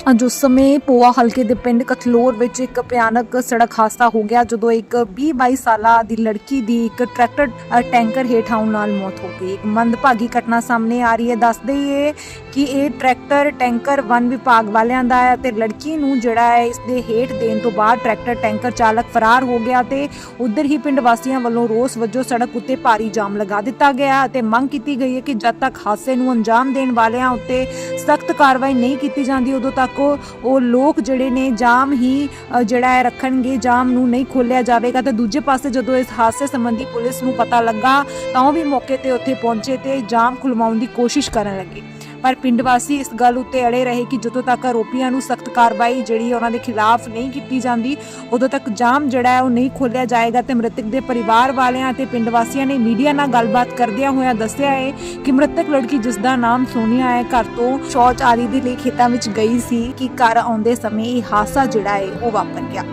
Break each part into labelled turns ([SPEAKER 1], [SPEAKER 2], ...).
[SPEAKER 1] ਅੱਜ ਉਸ ਸਮੇਂ ਪੋਆ ਹਲਕੇ ਦੇ ਪਿੰਡ ਕਥਲੋਰ ਵਿੱਚ ਇੱਕ ਭਿਆਨਕ ਸੜਕ ਹਾਦਸਾ ਹੋ ਗਿਆ ਜਦੋਂ ਇੱਕ 20-22 ਸਾਲਾ ਦੀ ਲੜਕੀ ਦੀ ਇੱਕ ਟਰੈਕਟਰ ਟੈਂਕਰ ਹੇਠ ਆਉਣ ਨਾਲ ਮੌਤ ਹੋ ਗਈ। ਇੱਕ ਮੰਦਭਾਗੀ ਘਟਨਾ ਸਾਹਮਣੇ ਆ ਰਹੀ ਹੈ। ਦੱਸਦੇ ਹੀ ਕਿ ਇਹ ਟਰੈਕਟਰ ਟੈਂਕਰ ਵਨ ਵਿਭਾਗ ਵਾਲਿਆਂ ਦਾ ਹੈ ਤੇ ਲੜਕੀ ਨੂੰ ਜਿਹੜਾ ਹੈ ਇਸ ਦੇ ਹੇਠ ਦੇਣ ਤੋਂ ਬਾਅਦ ਟਰੈਕਟਰ ਟੈਂਕਰ ਚਾਲਕ ਫਰਾਰ ਹੋ ਗਿਆ ਤੇ ਉਧਰ ਹੀ ਪਿੰਡ ਵਾਸੀਆਂ ਵੱਲੋਂ ਰੋਸ ਵਜੋਂ ਸੜਕ ਉੱਤੇ ਭਾਰੀ ਜਾਮ ਲਗਾ ਦਿੱਤਾ ਗਿਆ ਅਤੇ ਮੰਗ ਕੀਤੀ ਗਈ ਹੈ ਕਿ ਜਦ ਤੱਕ ਹਾਦਸੇ ਨੂੰ ਅੰਜਾਮ ਦੇਣ ਵਾਲਿਆਂ ਉੱਤੇ ਸਖਤ ਕਾਰਵਾਈ ਨਹੀਂ ਕੀਤੀ ਜਾਂਦੀ ਉਦੋਂ ਤੱਕ ਉਹ ਲੋਕ ਜਿਹੜੇ ਨੇ ਜਾਮ ਹੀ ਜਿਹੜਾ ਹੈ ਰੱਖਣਗੇ, ਜਾਮ ਨੂੰ ਨਹੀਂ ਖੋਲਿਆ ਜਾਵੇਗਾ। ਤੇ ਦੂਜੇ ਪਾਸੇ ਜਦੋਂ ਇਸ ਹਾਦਸੇ ਸੰਬੰਧੀ ਪੁਲਿਸ ਨੂੰ ਪਤਾ ਲੱਗਾ ਤਾਂ ਉਹ ਵੀ ਮੌਕੇ ਤੇ ਉੱਥੇ ਪਹੁੰਚੇ ਤੇ ਜਾਮ ਖੁਲਵਾਉਣ ਦੀ ਕੋਸ਼ਿਸ਼ ਕਰਨ ਲੱਗੇ। ਪਰ ਪਿੰਡ ਵਾਸੀ ਇਸ ਗੱਲ ਉੱਤੇ ਅੜੇ ਰਹੇ ਕਿ ਜਦੋਂ ਤੱਕ ਆਰੋਪੀਆਂ ਨੂੰ ਸਖਤ ਕਾਰਵਾਈ ਜਿਹੜੀ ਉਹਨਾਂ ਦੇ ਖਿਲਾਫ ਨਹੀਂ ਕੀਤੀ ਜਾਂਦੀ ਉਦੋਂ ਤੱਕ ਜਾਮ ਜਿਹੜਾ ਹੈ ਉਹ ਨਹੀਂ ਖੋਲਿਆ ਜਾਏਗਾ। ਤੇ ਮ੍ਰਿਤਕ ਦੇ ਪਰਿਵਾਰ ਵਾਲਿਆਂ ਅਤੇ ਪਿੰਡ ਵਾਸੀਆਂ ਨੇ ਮੀਡੀਆ ਨਾਲ ਗੱਲਬਾਤ ਕਰਦਿਆਂ ਹੋਇਆਂ ਦੱਸਿਆ ਹੈ ਕਿ ਮ੍ਰਿਤਕ ਲੜਕੀ ਜਿਸ ਦਾ ਨਾਮ ਸੋਨੀਆ ਹੈ ਘਰ ਤੋਂ ਸ਼ੌਚ ਆਦਿ ਦੇ ਲਈ ਖੇਤਾਂ ਵਿੱਚ ਗਈ ਸੀ ਕਿ ਘਰ ਆਉਂਦੇ ਸਮੇਂ ਇਹ ਹਾਦਸਾ ਜਿਹੜਾ ਹੈ ਉਹ ਵਾਪਰ ਗਿਆ।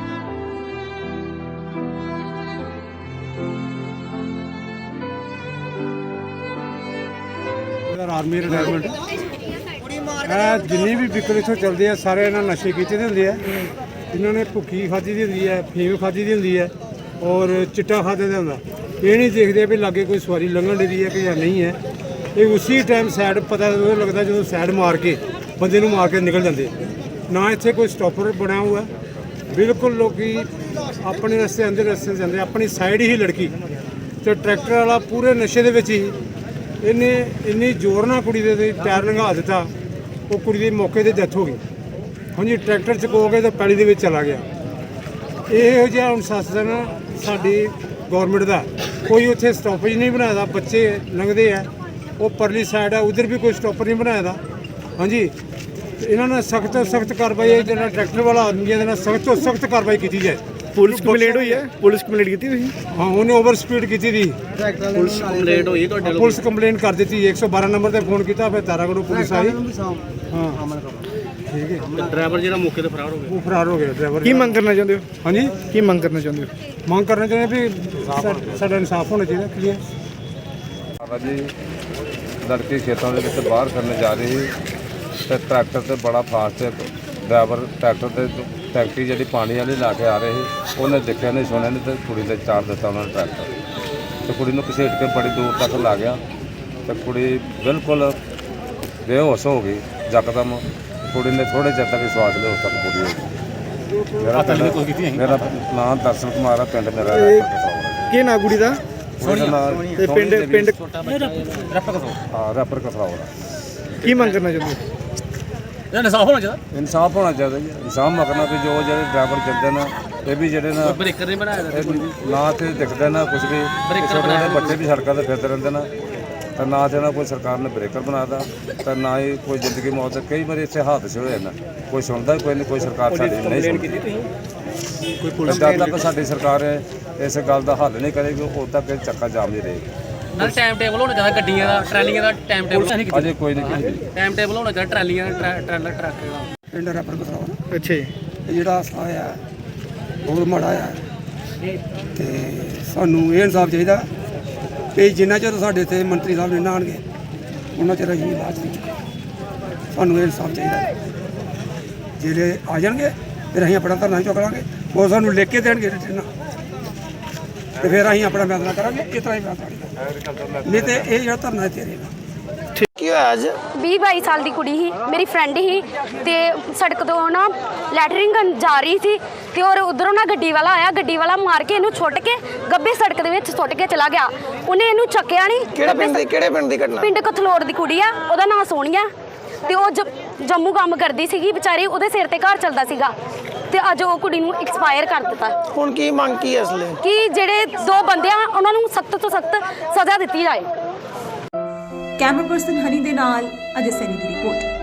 [SPEAKER 2] आर्मी रिटायरमेंट जिन्नी भी व्हीकल इत्थों चलते हैं सारे इन्होंने नशे कीते दे होंदे आ। इन्होंने भुक्खी खाधी दी होंदी है, फीम खाधी दी होंदी है और चिट्टा खादे दा होंदा। ये नहीं देखते भी लागे कोई सवारी लंघन दी है कि या नहीं है। ये उसी टाइम सैड पता लगता जो सैड मार के बंदे नूं मार के निकल जाते। ना इत्थे कोई स्टॉपर बनाया हुआ बिल्कुल लोग अपने रस्ते आंदे रस्ते जाते अपनी साइड ही लड़की तो ट्रैक्टर वाला पूरे नशे दे विच ही इन्हें इन्नी जोर ना कुड़ी दे टायर लंघा दिता वो कुड़ी की मौके पर डेथ हो गई। हाँ जी ट्रैक्टर चको गए तो पैली दे चला गया। यहो जिहा अनुशासन साडी गौरमेंट का कोई उत्थे स्टॉपेज नहीं बनाया। बच्चे लंघते हैं वो परली साइड है उधर भी कोई स्टॉपर नहीं बनाया। हाँ जी इन्होंने सख्त तो सख्त कार्रवाई जो ट्रैक्टर वाला आदमी है सख्त तो सख्त कार्रवाई की जाए।
[SPEAKER 3] पुलिस कंप्लेंट हुई है? पुलिस कंप्लेंट की थी?
[SPEAKER 2] हाँ उन्हें ओवर स्पीड की थी।
[SPEAKER 3] पुलिस कंप्लेंट हुई है?
[SPEAKER 2] पुलिस कंप्लेंट कर दी थी 112 नंबर पर फोन किया फिर तारागढ़ पुलिस आई। हाँ ठीक है
[SPEAKER 3] ड्राइवर जो मौके से फरार हो गया।
[SPEAKER 2] वो फरार हो गया ड्राइवर।
[SPEAKER 3] की मंग करना चाहते हो?
[SPEAKER 2] हाँ जी
[SPEAKER 3] की मंग करना चाहते हो?
[SPEAKER 2] मांग करना चाहिए भी साਡਾ इंसाफ होना चाहिए क्लियर।
[SPEAKER 4] जी लड़की खेतों के बाहर करने जा रही तो ट्रैक्टर से बड़ा फास्ट ड्राइवर ट्रैक्टर से टैक्सी जी पानी वाली ला के आ रही उन्हें देखा नहीं सुनिया नहीं तो कुड़ी से चार दिता उन्होंने ट्रैक्टर तो कुड़ी घसीट के बड़ी दूर तक ला गया तो कुड़ी बिल्कुल बेहोश हो गई यकदम। कुड़ी ने थोड़े चेर तक विश्वास लिया उस तक पूरी होगी। मेरा नाम दर्शन कुमार है पिंड मेरा
[SPEAKER 3] की ना कुड़ी का
[SPEAKER 4] रैपर कसरावड़ा।
[SPEAKER 3] की मंग करना चाहते हो?
[SPEAKER 4] इंसाफ होना चाहिए जी। इंसाफ मगना भी जो जो ड्राइवर चलते ना ये भी जो ना ब्रेकर नहीं बनाया ना तो दिखते ना कुछ भी छोटे बच्चे भी सड़कों पर फिरते रहते ना तो ना तो ना कोई सरकार ने ब्रेकर बनाता तो ना ही कोई जिंदगी मौत। कई बार इतने हादसे होए ना कोई सुनता कोई नहीं, कोई सरकार साडी नहीं सुनती। जब तक साडी सरकार इस गल का हल नहीं करेगी उद तक चक्का जाम नहीं रहेगी।
[SPEAKER 5] टाइम टेबल होना चाहिए गड्डियां दा ट्रैलियां दा टाइम टेबल
[SPEAKER 4] अजे कोई नहीं
[SPEAKER 5] टाइम टेबल होना चाहिए ट्रैलियां ट्रैलर ट्रक दा।
[SPEAKER 6] पिंड रैपर कसरावड़ा
[SPEAKER 3] अच्छा
[SPEAKER 6] ਜਿਹੜਾ ਹਾਸਾ ਹੋਇਆ ਬਹੁਤ ਮਾੜਾ ਆ ਤੇ ਸਾਨੂੰ ਇਹ ਇਨਸਾਫ ਚਾਹੀਦਾ ਕਿ ਜਿੰਨਾ ਚਿਰ ਸਾਡੇ ਇੱਥੇ ਮੰਤਰੀ ਸਾਹਿਬ ਨਹੀਂ ਆਉਣਗੇ ਉਹਨਾਂ ਚਿਰ ਅਸੀਂ ਇਲਾਜ ਨਹੀਂ ਚੁੱਕਾਂਗੇ। ਸਾਨੂੰ ਇਹ ਇਨਸਾਫ ਚਾਹੀਦਾ। ਜਿਹੜੇ ਆ ਜਾਣਗੇ ਫਿਰ ਅਸੀਂ ਆਪਣਾ ਧਰਨਾ ਚੁੱਕ ਲਾਂਗੇ। ਉਹ ਸਾਨੂੰ ਲਿਖ ਕੇ ਦੇਣਗੇ ਰਿਟਰਨ ਤੇ ਫਿਰ ਅਸੀਂ ਆਪਣਾ ਫੈਸਲਾ ਕਰਾਂਗੇ। ਇਸ ਤਰ੍ਹਾਂ ਹੀ ਫੈਸਲਾ ਨਹੀਂ ਤੇ ਇਹ ਜਿਹੜਾ ਧਰਨਾ ਇੱਥੇ ਰਹੇਗਾ।
[SPEAKER 7] ਕੀ ਹੋਇਆ ਅੱਜ
[SPEAKER 8] 20-22 ਸਾਲ ਦੀ ਕੁੜੀ ਸੀ, ਮੇਰੀ ਫਰੈਂਡ ਸੀ ਤੇ ਸੜਕ ਤੋਂ ਨਾ ਲੈਟਰਿੰਗ ਜਾ ਰਹੀ ਸੀ ਤੇ ਔਰ ਉਧਰੋਂ ਨਾ ਗੱਡੀ ਵਾਲਾ ਆਇਆ। ਗੱਡੀ ਵਾਲਾ ਮਾਰ ਕੇ ਇਹਨੂੰ ਛੁੱਟ ਕੇ ਗੱਬੇ ਸੜਕ ਦੇ ਵਿੱਚ ਸੁੱਟ ਕੇ ਚਲਾ ਗਿਆ। ਉਹਨੇ ਇਹਨੂੰ ਚੱਕਿਆ ਨਹੀਂ।
[SPEAKER 7] ਕਿਹੜੇ ਪਿੰਡ ਦੀ ਘਟਨਾ?
[SPEAKER 8] ਪਿੰਡ ਕਥਲੋਰ ਦੀ ਕੁੜੀ ਆ, ਉਹਦਾ ਨਾਂ ਸੋਨੀਆ ਤੇ ਉਹ ਜੰਮੂ ਕੰਮ ਕਰਦੀ ਸੀਗੀ ਵਿਚਾਰੀ। ਉਹਦੇ ਸਿਰ ਤੇ ਘਰ ਚੱਲਦਾ ਸੀਗਾ ਤੇ ਅੱਜ ਉਹ ਕੁੜੀ ਨੂੰ ਐਕਸਪਾਇਰ ਕਰ ਦਿੱਤਾ।
[SPEAKER 7] ਹੁਣ ਕੀ ਮੰਗ ਕੀ ਹੈ ਇਸ ਲਈ
[SPEAKER 8] ਕਿ ਜਿਹੜੇ ਦੋ ਬੰਦੇ ਆ ਉਹਨਾਂ ਨੂੰ ਸਖਤ ਤੋਂ ਸਖਤ ਸਜ਼ਾ ਦਿੱਤੀ ਜਾਏ।
[SPEAKER 1] ਕੈਮਰਾ ਪਰਸਨ ਹਨੀ ਦੇ ਨਾਲ ਅਜੇ ਸੈਨੀ ਦੀ ਰਿਪੋਰਟ।